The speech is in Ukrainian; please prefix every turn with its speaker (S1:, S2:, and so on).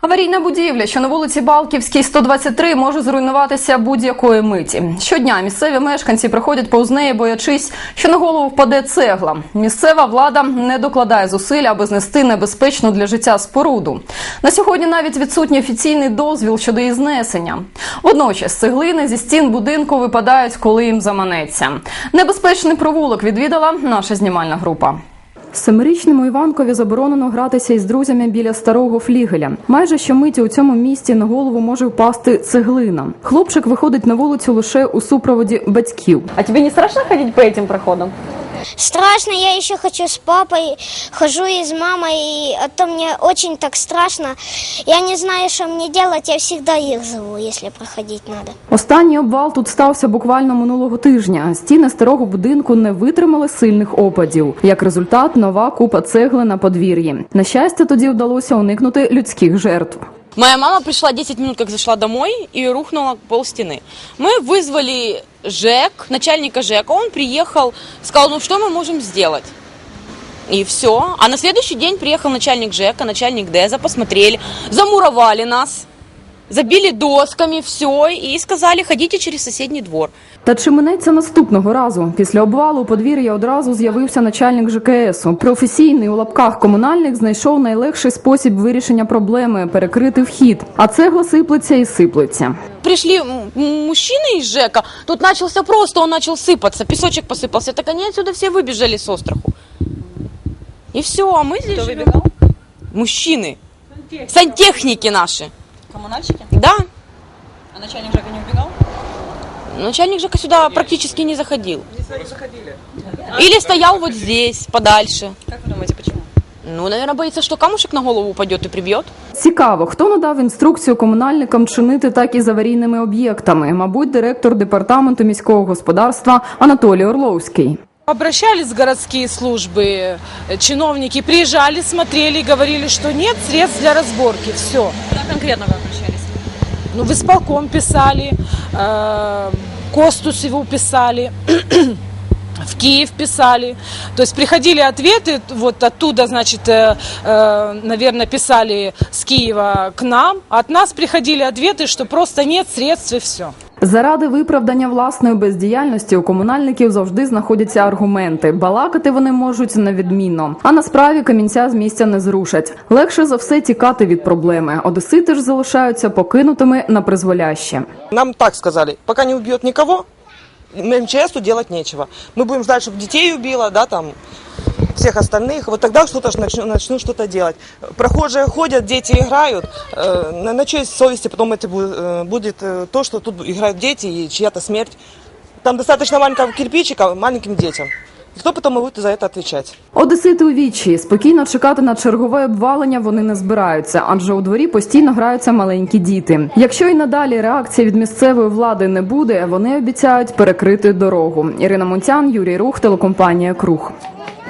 S1: Аварійна будівля, що на вулиці Балківській, 123, може зруйнуватися будь-якої миті. Щодня місцеві мешканці проходять повз неї, боячись, що на голову впаде цегла. Місцева влада не докладає зусиль, аби знести небезпечну для життя споруду. На сьогодні навіть відсутній офіційний дозвіл щодо її знесення. Водночас цеглини зі стін будинку випадають, коли їм заманеться. Небезпечний провулок відвідала наша знімальна група. Семирічному Іванкові заборонено гратися із друзями біля старого флігеля. Майже щомиті у цьому місті на голову може впасти цеглина. Хлопчик виходить на вулицю лише у супроводі батьків.
S2: А тебе не страшно ходить по этим проходам?
S3: Страшно, я еще хочу с папой, хожу и с мамой, а то мне очень так страшно. Я не знаю, что мне делать, я всегда их зову, если проходить надо.
S1: Останній обвал тут стався буквально минулого тижня. Стіни старого будинку не витримали сильних опадів. Як результат, нова купа цегли на подвір'ї. На щастя, тоді вдалося уникнути людських жертв.
S4: Моя мама пришла 10 минут, как зашла домой, и рухнула полстены. Мы вызвали ЖЭК, начальника ЖЭКа, он приехал, сказал, ну что мы можем сделать? И все. А на следующий день приехал начальник ЖЭКа, начальник ДЭЗа, посмотрели, замуровали нас, забили досками, все, и сказали, ходите через соседний двор.
S1: Та чи минеться наступного разу? Після обвалу у подвір'я одразу з'явився начальник ЖКСу. Професійний у лапках комунальник знайшов найлегший спосіб вирішення проблеми – перекрити вхід. А цегла сиплеться і сиплеться.
S4: Пришли мужчины из ЖЭКа, тут начался просто, он начал сыпаться, песочек посыпался, так они отсюда все выбежали с остраху. И все, а мы здесь живем.
S2: Выбегал?
S4: Мужчины, сантехники наши.
S2: Коммунальщики?
S4: Да.
S2: А начальник ЖЭКа не убегал?
S4: Начальник ЖЭКа сюда практически не заходил. Или стоял вот здесь, подальше.
S2: Как вы думаете, почему?
S4: Ну, наверное, боится, что камушек на голову упадет и прибьет.
S1: Цікаво, хто надав інструкцію комунальникам чинити так із аварійними об'єктами? Мабуть, директор департаменту міського господарства Анатолій Орловський.
S5: Обращались в городские службы, чиновники приезжали, смотрели, говорили, что нет средств для разборки. Все.
S2: Куда конкретно вы обращались?
S5: Ну, в исполком писали, Костусеву писали, в Киев писали. То есть приходили ответы, вот оттуда, значит, наверное, писали с Киева к нам. От нас приходили ответы, что просто нет средств и все.
S1: Заради виправдання власної бездіяльності у комунальників завжди знаходяться аргументи. Балакати вони можуть невідмінно. А на справі камінця з місця не зрушать. Легше за все тікати від проблеми. Одесити ж залишаються покинутими на призволяще.
S6: Нам так сказали, пока не убьет никого, МЧСу делать нечего. Мы будем ждать, чтобы детей убило, да, там, всех остальных, вот тогда что-то начну что-то делать. Прохожие ходят, дети играют, на чьей совести потом это будет то, что тут играют дети и чья-то смерть. Там достаточно маленького кирпичика маленьким детям. І хто потім буде за це відповідати?
S1: Одесити у відчаї. Спокійно чекати на чергове обвалення вони не збираються, адже у дворі постійно граються маленькі діти. Якщо і надалі реакції від місцевої влади не буде, вони обіцяють перекрити дорогу. Ірина Мунтян, Юрій Рух, телекомпанія «Круг».